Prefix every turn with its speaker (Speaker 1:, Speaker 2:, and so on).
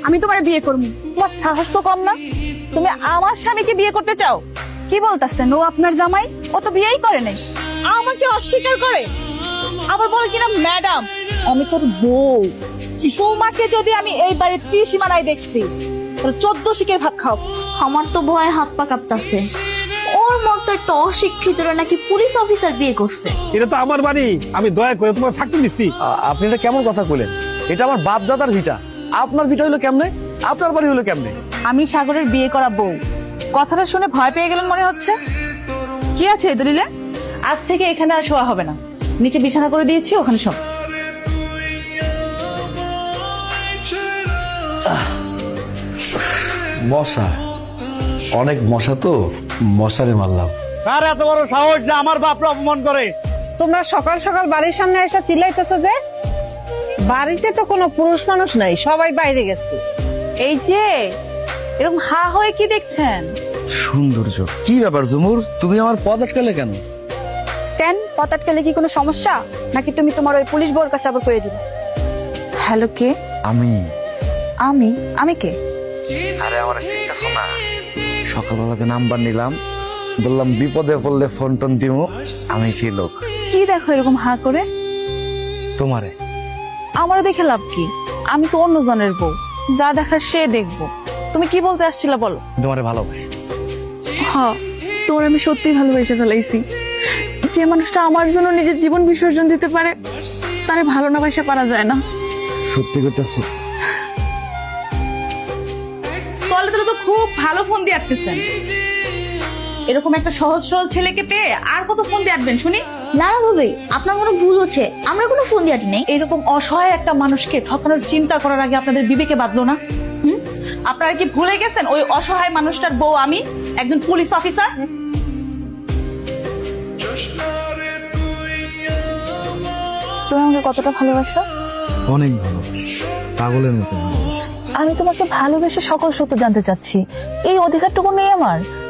Speaker 1: আমি তোমার বিয়ে করবো।
Speaker 2: তোমার সাহস তো কম না, তুমি আমার স্বামীকে বিয়ে করতে চাও?
Speaker 1: কি বলতেছেন? ও আপনার জামাই, ও তো বিয়েই করে নাই।
Speaker 2: আমাকে অস্বীকার করে, আবার বলে কিনা ম্যাডাম আমি তোর বউ। তোমাকে যদি আমি এই বাড়ির ত্রিসীমানায় দেখছি তাহলে 14 শিকের ভাত খাও।
Speaker 3: আমার তো ভয় হাত পা কাঁপতাছে। ওর মতো একটা অশিক্ষিতরা নাকি পুলিশ অফিসার বিয়ে করছে।
Speaker 4: এটা তো আমার বাড়ি, আমি দয়া করে তোমার থাকতে দিচ্ছি।
Speaker 5: আপনি এটা কেমন কথা কইলেন? এটা আমার বাপ দাদার ভিটা, আপনার ভিটা হলো কেমনে, আপনার বাড়ি হলো কেমনে?
Speaker 2: আমি সাগরের বিয়ে করা বউ। কথাটা শুনে ভয় পেয়ে গেলেন মনে হচ্ছে। কি আছে এই দলিলে? আজ থেকে এখানে আর শোয়া হবে না, নিচে বিছানা করে দিয়েছি, ওখানে শোন।
Speaker 5: মশা, অনেক মশা তো, মশারে মারলাম।
Speaker 4: কার এত বড় সাহস যে আমার বাপরা অপমান করে?
Speaker 6: তোমরা সকাল সকাল বাড়ির সামনে এসে চিল্লাইতেছো যে? বাড়িতে তো কোনো পুরুষ মানুষ নাই, সবাই বাইরে গেছে।
Speaker 2: এই যে এরকম হা হয়ে কি দেখছেন?
Speaker 5: সৌন্দর্য। কি ব্যাপার ঝুমুর, তুমি আমার পথ আটকালে কেন?
Speaker 1: কেন, পথ আটকালে কি কোনো সমস্যা নাকি? তুমি তোমার ওই পুলিশ বউর কাছে আবার কয়ে দিবে? হ্যালো, কে?
Speaker 5: আমি
Speaker 1: আমি? আমি কে?
Speaker 5: আরে আমার চিন্তা শোনা, সকালবেলাতে নাম্বার নিলাম, বললাম বিপদে পড়লে ফোন টোন দিমু, আমি সেই লোক।
Speaker 2: কি দেখো এরকম হা করে?
Speaker 5: তোমারে।
Speaker 2: আমারও দেখে লাভ কি? আমি তো অন্য জনের বউ, যা দেখার সে দেখবো। তুমি কি বলতে আসছিলে বলো?
Speaker 5: তোমারে ভালোবাসি।
Speaker 2: হ্যাঁ, তোমার আমি সত্যি ভালোবেসে ফেলাইছি। যে মানুষটা আমার জন্য নিজের জীবন বিসর্জন দিতে পারে তারে ভালো না বাসা পারা যায় না।
Speaker 5: সত্যি করতেছি।
Speaker 2: তলে তলে তো খুব ভালো ফোন দিয়ে আটতেছেন। এরকম একটা সহজ সরল ছেলেকে পেয়ে আর কত ফোন দিয়ে আটবেন শুনি?
Speaker 3: না না ভাবি, আপনার কোনো ভুল হচ্ছে, আমরা কোনো ফোন দিয়ে আটি নেই।
Speaker 2: এরকম অসহায় একটা মানুষকে ঠকানোর চিন্তা করার আগে আপনাদের বিবেকে বাঁধলো না? আপনারা কি ভুলে গেছেন ওই অসহায় মানুষটার বউ আমি একজন পুলিশ অফিসার? তুমি আমাকে কতটা ভালোবাসো?
Speaker 5: অনেক ভালোবাসি, পাগলের মতো ভালোবাসি।
Speaker 2: আমি তোমাকে ভালোবেসে সকল সত্য জানতে চাচ্ছি, এই অধিকারটুকু নেই আমার?